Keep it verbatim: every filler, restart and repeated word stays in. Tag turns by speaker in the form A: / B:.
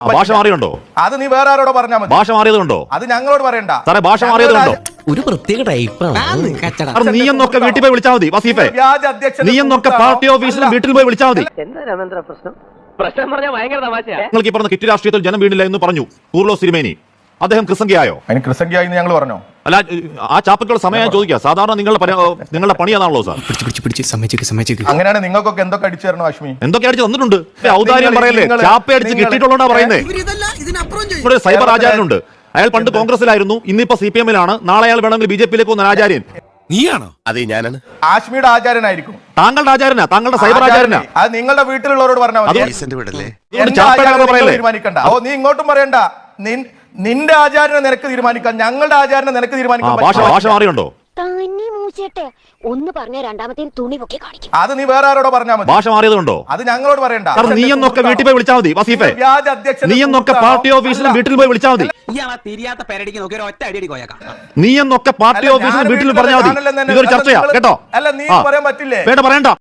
A: ഭാഷ മാറിയുണ്ടോ?
B: അത് നീ വേറെ ആരോടോ പറഞ്ഞാൽ മതി.
A: ഭാഷ മാറിയതുണ്ടോ?
B: അത് ഞങ്ങളോട് പറയണ്ട.
A: സാറേ ഭാഷ മാറിയതുണ്ടോ?
C: ഒരു പ്രത്യേക ടൈപ്പാണ്.
A: നീ എന്നൊക്കെ വീട്ടിൽ പോയി വിളിച്ചാൽ മതി വസീഫെ.
B: വ്യാജ അധ്യക്ഷൻ
A: നീ എന്നൊക്കെ പാർട്ടി ഓഫീസിലും വീട്ടിൽ പോയി വിളിച്ചാൽ മതി.
D: എന്താ രാമേന്ദ്ര പ്രശ്നം? പ്രശ്നം പറഞ്ഞാൽ ഭയങ്കര തമാശയാ.
A: നിങ്ങൾക്ക് ഈ പറഞ്ഞ കിറ്റ് രാഷ്ട്രീയത്തിൽ ജനം വീണില്ല എന്ന് പറഞ്ഞു കൂർലോ സിരിമേനി. അദ്ദേഹം ക്രിസംഖ്യയായോ?
B: അതിന് ക്രിസംഖ്യായി ഞങ്ങൾ പറഞ്ഞോ?
A: അല്ല, ആ ചാപ്പക്കുള്ള സമയം ചോദിക്കുക. സാധാരണ നിങ്ങളുടെ പരി- നിങ്ങളുടെ പണിയാണല്ലോ സാർ.
B: അങ്ങനെയാണ് നിങ്ങൾക്കൊക്കെ എന്തൊക്കെ അടിച്ചു തരണോ അശ്മി?
A: എന്തൊക്കെ അടിച്ച് തന്നിട്ടുണ്ട്. ഔദാര്യം
B: നിങ്ങൾ-
A: പറയല്ലേ?
B: നിങ്ങൾ-
A: ചാപ്പ അടിച്ച്
B: നിങ്ങൾ-
A: കിട്ടിയിട്ടുള്ളതാ പറയുന്നേ. ഇവിടെ ഒരു സൈബർ ആചാര്യനുണ്ട്. അയാൾ പണ്ട് കോൺഗ്രസിലായിരുന്നു, ഇന്നിപ്പോ സി പി എമ്മിലാണ്. നാളെ അയാൾ വേണമെങ്കിൽ ബി ജെ പിയിലേക്ക് പോകുന്ന ആചാര്യൻ
E: നീയാണോ? അതെ, ഞാനാണ്.
B: ആശ്മിയുടെ ആചാര്യനായിരിക്കും.
A: താങ്കളുടെ ആചാരനാ, താങ്കളുടെ സൈബർ ആചാരനാ.
B: അത് നിങ്ങളുടെ വീട്ടിലുള്ളവരോട് പറഞ്ഞാൽ മതി. എന്റെ
A: ചാപ്പ
B: ആചാരം നിങ്ങൾ
A: പറയല്ലേ?
B: തീരുമാനിക്കണ്ട. ഓ, നീ ഇങ്ങോട്ടും പറയണ്ട. നിൻ- നിന്റെ ആചാരനെ നിനക്ക് തീരുമാനിക്കാം, ഞങ്ങളുടെ ആചാരനെ നിനക്ക് തീരുമാനിക്കാൻ
A: ഭാഷ
B: പറ്റില്ല.
A: ഭാഷ മാറിയുണ്ടോ?
F: തന്നെ മൂച്ചേട്ടെ ഒന്ന് പറഞ്ഞ രണ്ടാമത്തെ തുണി പൊക്കി കാണിക്കും.
B: അത് നീ വേറെ ആരോടോ പറഞ്ഞാൽ മതി.
A: ഭാഷ മാറിയതുണ്ടോ?
B: അത് ഞങ്ങളോട് പറയണ്ട.
A: സാർ നീ എന്നൊക്കെ വീട്ടിൽ പോയി വിളിച്ചാൽ മതി വസീഫെ.
B: വ്യാജ അധ്യക്ഷൻ
A: നീ എന്നൊക്കെ പാർട്ടി ഓഫീസിലും വീട്ടിൽ പോയി വിളിച്ചാൽ മതി.
C: തിരിയാത്ത പേരടിക്ക് നോക്കി ഒരു ഒറ്റ അടി കോയക്കാം.
A: നീ എന്നൊക്കെ പാർട്ടി ഓഫീസിലും വീട്ടിൽ പറഞ്ഞാൽ മതി. ഇതൊരു ചർച്ചയാ കേട്ടോ.
B: അല്ല, നീ
A: ആ.
B: പറയാൻ പറ്റില്ലേ?
A: വേണ്ട, പറയണ്ട.